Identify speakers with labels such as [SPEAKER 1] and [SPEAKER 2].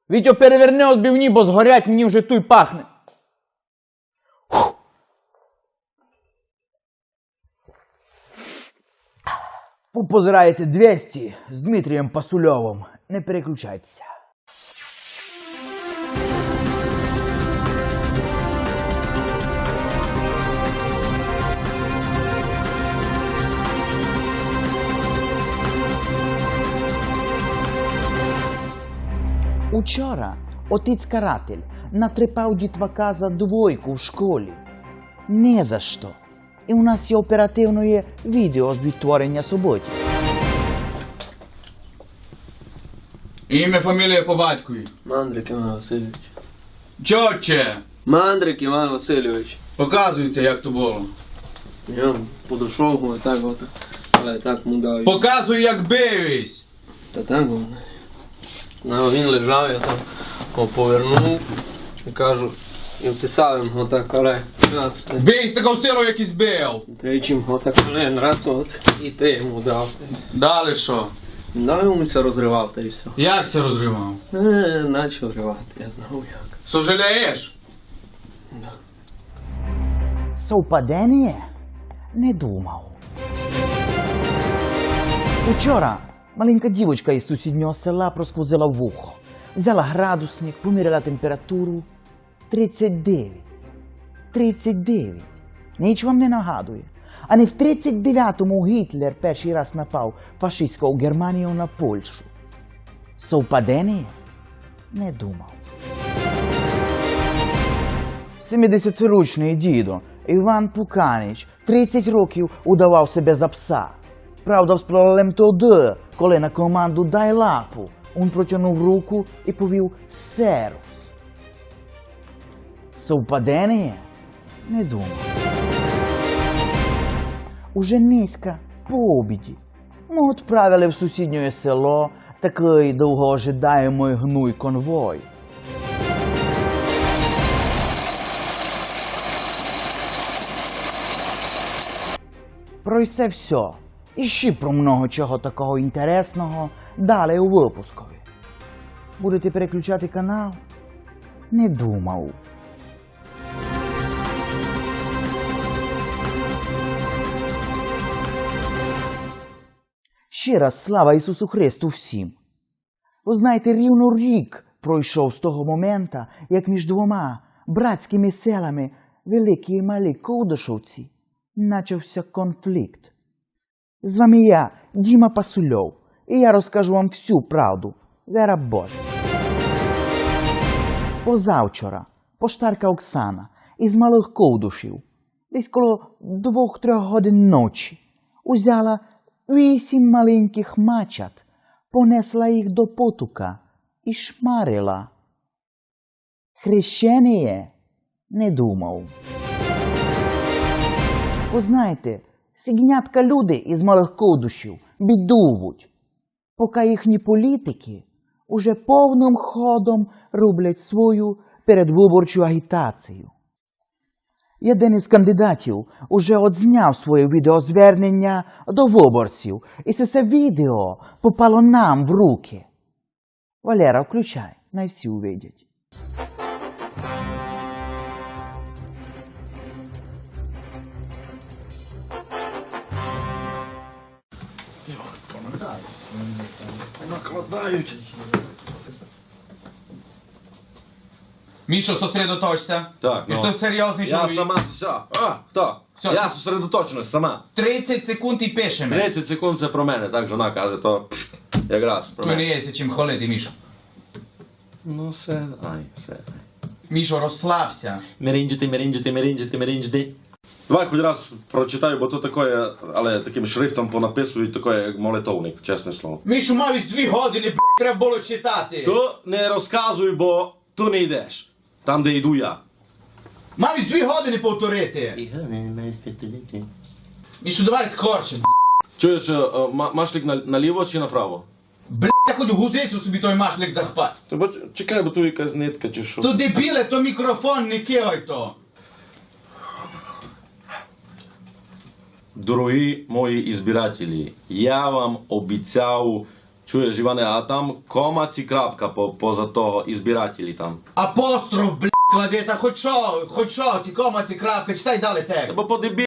[SPEAKER 1] Вітьо, переверни отбивні, бо згорять, мені вже туй пахне. Ви позираєте 200 з Дмитрієм Пасульовим. Не переключайтеся. Учора отець-каратель натрепав дітвака за 2 в школі. Не за що. І у нас є оперативне відео з відтворення суботів.
[SPEAKER 2] Ім'я, фамілія по батькові.
[SPEAKER 3] Мандрик Іван Васильович.
[SPEAKER 2] Чотче!
[SPEAKER 3] Мандрик Іван Васильович.
[SPEAKER 2] Показуйте, як то було.
[SPEAKER 3] Я подошов, і так от. Але так му дав.
[SPEAKER 2] Показуй, як бивись.
[SPEAKER 3] Та так було. Він лежав, я там повернув і кажу, і вписав йому отак, але раз.
[SPEAKER 2] Бий з такою силою, як і збив.
[SPEAKER 3] Тричі отак, раз от, і ти йому дав.
[SPEAKER 2] Далі що?
[SPEAKER 3] Дав йому все розривав, та й все.
[SPEAKER 2] Як це розривав?
[SPEAKER 3] Начав ривати, я знав як.
[SPEAKER 2] Сожалієш?
[SPEAKER 3] Да.
[SPEAKER 1] Совпадення? Не думав. Учора маленька дівочка із сусіднього села просквозила вухо. Взяла градусник, поміряла температуру. 39. 39. Ніч вам не нагадує. А не в 39-му Гітлер перший раз напав фашистською Германію на Польщу. Совпадення? Не думав. 70-річний дідо Іван Пуканич 30 років удавав себе за пса. Правда, з проблем тоді, коли на команду «дай лапу» він протягнув руку і повів «серус». Совпадення? Не думав. Уже низько, по обіді, ми відправили в сусіднє село такий довгоожидаємий гнуй конвой. Про це все. І ще про много чого такого інтересного далі у випускові. Будете переключати канал? Не думав. Ще раз слава Ісусу Христу всім. Ви знаєте, рівно рік пройшов з того моменту, як між двома братськими селами Великі і Малі Ковдашовці начався конфлікт. З вами я, Діма Пасульов, і я розкажу вам всю правду, вера Божа. Позавчора поштарка Оксана із Малих Ковдушів, десь коло 2-3 годин ночі, узяла 8 маленьких мачат, понесла їх до потука і шмарила. Хрещеніє? Не думав. Ви знаєте, сігнятка люди із Малих Ковдушів бідувуть, поки їхні політики уже повним ходом роблять свою передвиборчу агітацію. Один із кандидатів уже одзняв своє відеозвернення до виборців, і це відео попало нам в руки. Валера, включай, най всі увидять.
[SPEAKER 4] Накладають.
[SPEAKER 2] Мішо, сосредоточся.
[SPEAKER 4] Так,
[SPEAKER 2] І що серйозний
[SPEAKER 4] Я
[SPEAKER 2] чоловік.
[SPEAKER 4] сама, все. Хто?
[SPEAKER 2] Все,
[SPEAKER 4] Я
[SPEAKER 2] ти-
[SPEAKER 4] сосредоточеність сама.
[SPEAKER 2] 30 секунд і пишемо.
[SPEAKER 4] 30 секунд це про мене, так жона каже, то якраз про
[SPEAKER 2] То не
[SPEAKER 4] мене.
[SPEAKER 2] є чим хвалити, Мішо.
[SPEAKER 4] Ну все, все.
[SPEAKER 2] Мішо, розслабся.
[SPEAKER 4] Меринджити. Давай хоч раз прочитаю, бо то таке, але таким шрифтом понаписують таке, як молитовник, чесне слово.
[SPEAKER 2] Мішо, мав 2 години, треба було читати.
[SPEAKER 4] То не розказуй, бо ту не йдеш. Там, де йду я.
[SPEAKER 2] Мав 2 години повторити. Мішо, давай скорше,
[SPEAKER 4] Чуєш, машлик наліво чи направо?
[SPEAKER 2] я хоч гузицю собі той машлик захпать.
[SPEAKER 4] То бо чекай, бо тут якась нитка чи що.
[SPEAKER 2] То дебіле, то мікрофон, не кигай то.
[SPEAKER 4] Дорогі мої ізбирателі, я вам обіцяв Чуєш, Іване, а там кома ці крапка поза того, і збирателі там.
[SPEAKER 2] Апостроф, блядь, клади, та хоч що, ті кома, ці крапки, читай далі текст.
[SPEAKER 4] Бо по